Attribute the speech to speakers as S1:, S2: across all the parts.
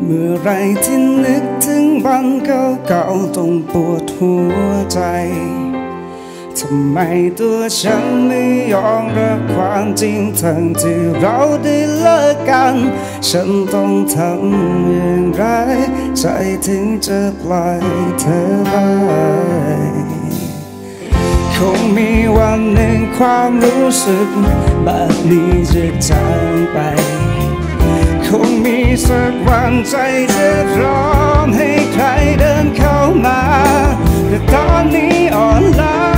S1: เมื่อไรที่นึกถึงวันเก่าๆต้องปวดหัวใจทำไมตัวฉันไม่ยอมรับความจริงทั้งที่เราได้เลิกกันฉันต้องทำอย่างไรใจถึงจะปล่อยเธอไปคงมีวันหนึ่งความรู้สึกแบบนี้จะจางไปคงมีสักวันใจจะพร้อมให้ใครเดินเข้ามาแต่ตอนนี้อ่อนล้า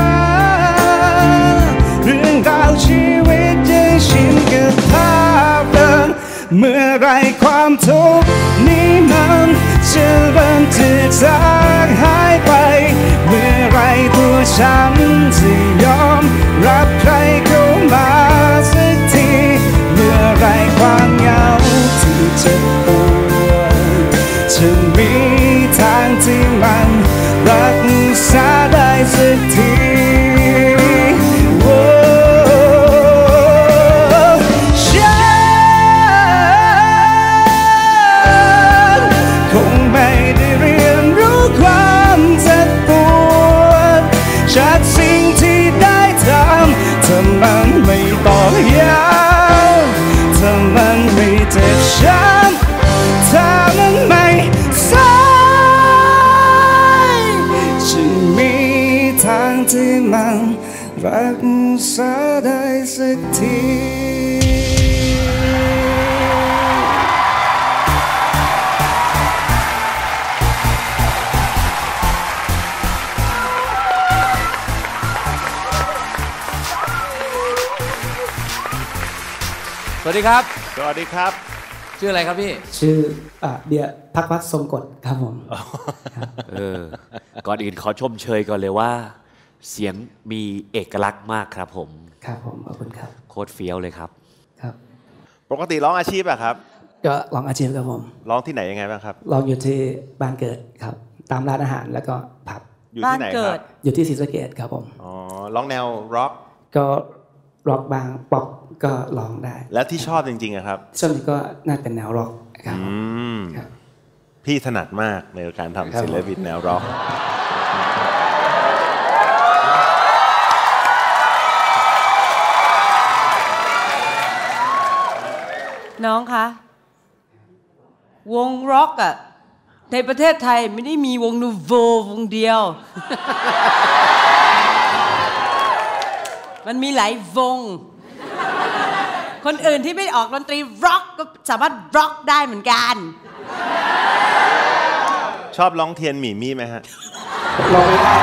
S1: เรื่องราวชีวิตยังชินกับภาพเดิมเมื่อไรความทุกข์นี้มันจะเริ่มจะจางหายไปเมื่อไรตัวฉันจะยอมรับใครเข้ามาสักทีเมื่อไรความเหงาที่เจ็บปวดจะมีทางที่มันรักษาได้สักทีจากสิ่งที่ได้ทำถ้ามันไม่ต้องย้ำถ้ามันไม่เจ็บช้ำถ้ามันไม่สายจะมีทางที่มันรักษาได้สักที
S2: สวัสดีครับ
S3: สวัสดีครับ
S2: ชื่ออะไรครับพี่
S1: ชื่อเบียร์ภักวัฒน์ทรงกฎครับผม
S2: ก่อนอื่นขอชมเชยก่อนเลยว่าเสียงมีเอกลักษณ์มากครับผม
S1: ครับผมขอบคุณครับ
S2: โคตรเฟี้ยวเลยครับ
S3: ครับปกติร้องอาชีพอะครับ
S1: ก็ร้องอาชีพครับผม
S3: ร้องที่ไหนยังไงบ้างครับ
S1: ร้องอยู่ที่บ้านเกิดครับตามร้านอาหารแล้วก็ผับ
S3: อยู่ที่ไหนครับ
S1: อยู่ที่ศรีสะเกษครับผม
S3: อ๋อร้องแนวร็อก
S1: ก็ร็อกบางป๊อปก็ร้องได้
S3: แล้วที่ชอบจริงๆครับ
S1: ส่วนที่ก็น่าเป็นแนวร็อกครับ
S3: พี่ถนัดมากในการทำศิลปินแนวร็อก
S4: น้องคะวงร็อกอะในประเทศไทยไม่ได้มีวงนูโววงเดียวมันมีหลายวงคนอื่นที่ไม่ออกดนตรีร็อกก็สามารถร็อกได้เหมือนกัน
S3: ชอบร้องเทียนหมี่มี่ไหมฮะ
S1: ร้องไม่ได้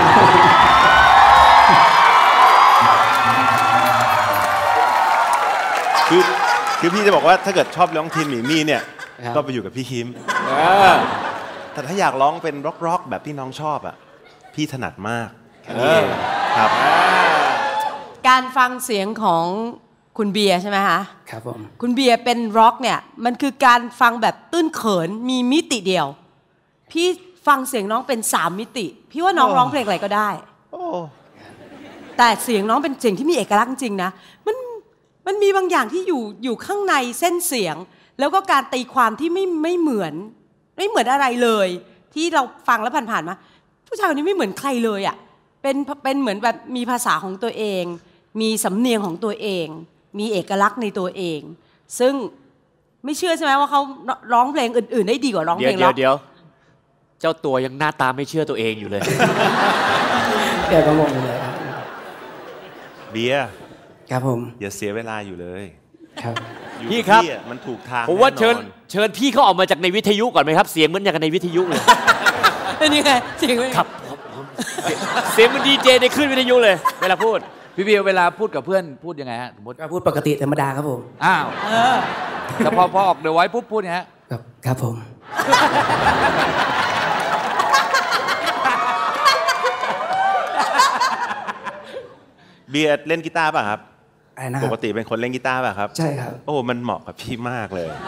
S3: คือพี่จะบอกว่าถ้าเกิดชอบร้องเทียนหมี่มี่เนี่ยก็ไปอยู่กับพี่คิมแต่ถ้าอยากร้องเป็นร็อกแบบที่น้องชอบอ่ะพี่ถนัดมากครับ
S4: การฟังเสียงของคุณเบียร์ใช่ไหมคะ
S1: ครับผม
S4: คุณเบียร์เป็นร็อกเนี่ยมันคือการฟังแบบตื้นเขินมีมิติเดียวพี่ฟังเสียงน้องเป็น3มิติพี่ว่าน้องร้องเพลงอะไรก็ได้แต่เสียงน้องเป็นเสียงที่มีเอกลักษณ์จริงนะมันมีบางอย่างที่อยู่ข้างในเส้นเสียงแล้วก็การตีความที่ไม่เหมือนอะไรเลยที่เราฟังแล้วผ่านๆมาผู้ชายคนนี้ไม่เหมือนใครเลยอ่ะเป็นเหมือนแบบมีภาษาของตัวเองมีสำเนียงของตัวเองมีเอกลักษณ์ในตัวเองซึ่งไม่เชื่อใช่ไหมว่าเขาร้องเพลงอื่นๆได้ดีกว่าร้องเพลงร็อก
S2: เดี๋ยวเจ้าตัวยังหน้าตาไม่เชื่อตัวเองอยู่เลย
S1: เดี๋ยวก็งงเลย
S3: เบียร์
S1: ครับผม
S3: อย่าเสียเวลาอยู่เลย
S1: ครับ
S2: พี่ครับ
S3: มันถูกทาง
S2: ผมว่าเชิญพี่เขาออกมาจากในวิทยุก่อนไหมครับเสียงเหมือนอย่างในวิทยุเลย
S4: นี่ไงเสียง
S2: ครับเสียงมันดีเจในคลื่นวิทยุเลยเวลาพูด
S5: พี่เบียร์เวลาพูดกับเพื่อนพูดยังไงฮะสมมติ
S1: พูดปกติธรรมดาครับผม
S5: อ้าวแต่พอออกเดี๋ยวไว้ปุ๊บพูดเนี่ยฮะ
S1: ครับผม
S3: เบียร์เล่นกีตาร์ป่ะครับปกติเป็นคนเล่นกีตาร์ป่ะครับ
S1: ใช่ครับ
S3: โอ้มันเหมาะกับพี่มากเลย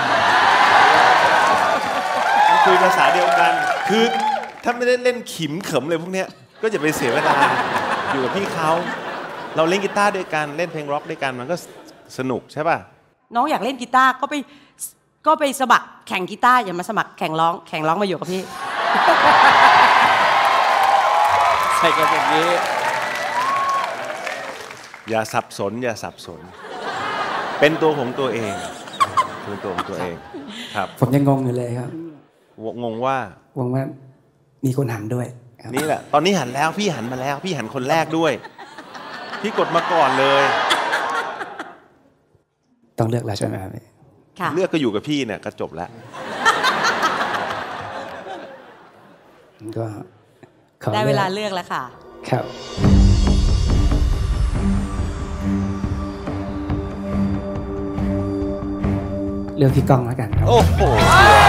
S3: คุยภาษาเดียวกันคือถ้าไม่ได้เล่นขิมเขิมเลยพวกเนี้ยก็อย่าไปเสียเวลาอยู่กับพี่เขาเราเล่นกีตาร์ด้วยกันเล่นเพลงร็อกด้วยกันมันก็สนุกใช่ป่ะ
S4: น้องอยากเล่นกีตาร์ก็ไปก็ไปสมัครแข่งกีตาร์อย่ามาสมัครแข่งร้องมาอยู่กับพี่
S5: ใช่กันแบบนี้
S3: อย่าสับสนเป็นตัวของตัวเองเป็นตัวของตัวเองครับ
S1: ผมยังงงอยู่เลยครับ
S3: งงว่า
S1: มีคนหันด้วยครับ
S3: นี่แหละตอนนี้หันแล้วพี่หันมาแล้วพี่หันคนแรกด้วยพี่กดมาก่อนเลย
S1: ต้องเลือกแล้วใช่ไหมครับ
S4: ค่ะ
S3: เลือกก็อยู่กับพี่เนี่ยก็จบแล้ว
S1: ก็ขอ
S4: ได้เวลาเลือกแล้วค่ะ
S1: ครับ เลือกพี่ก้องแล้วกันครับ
S3: โอ้โห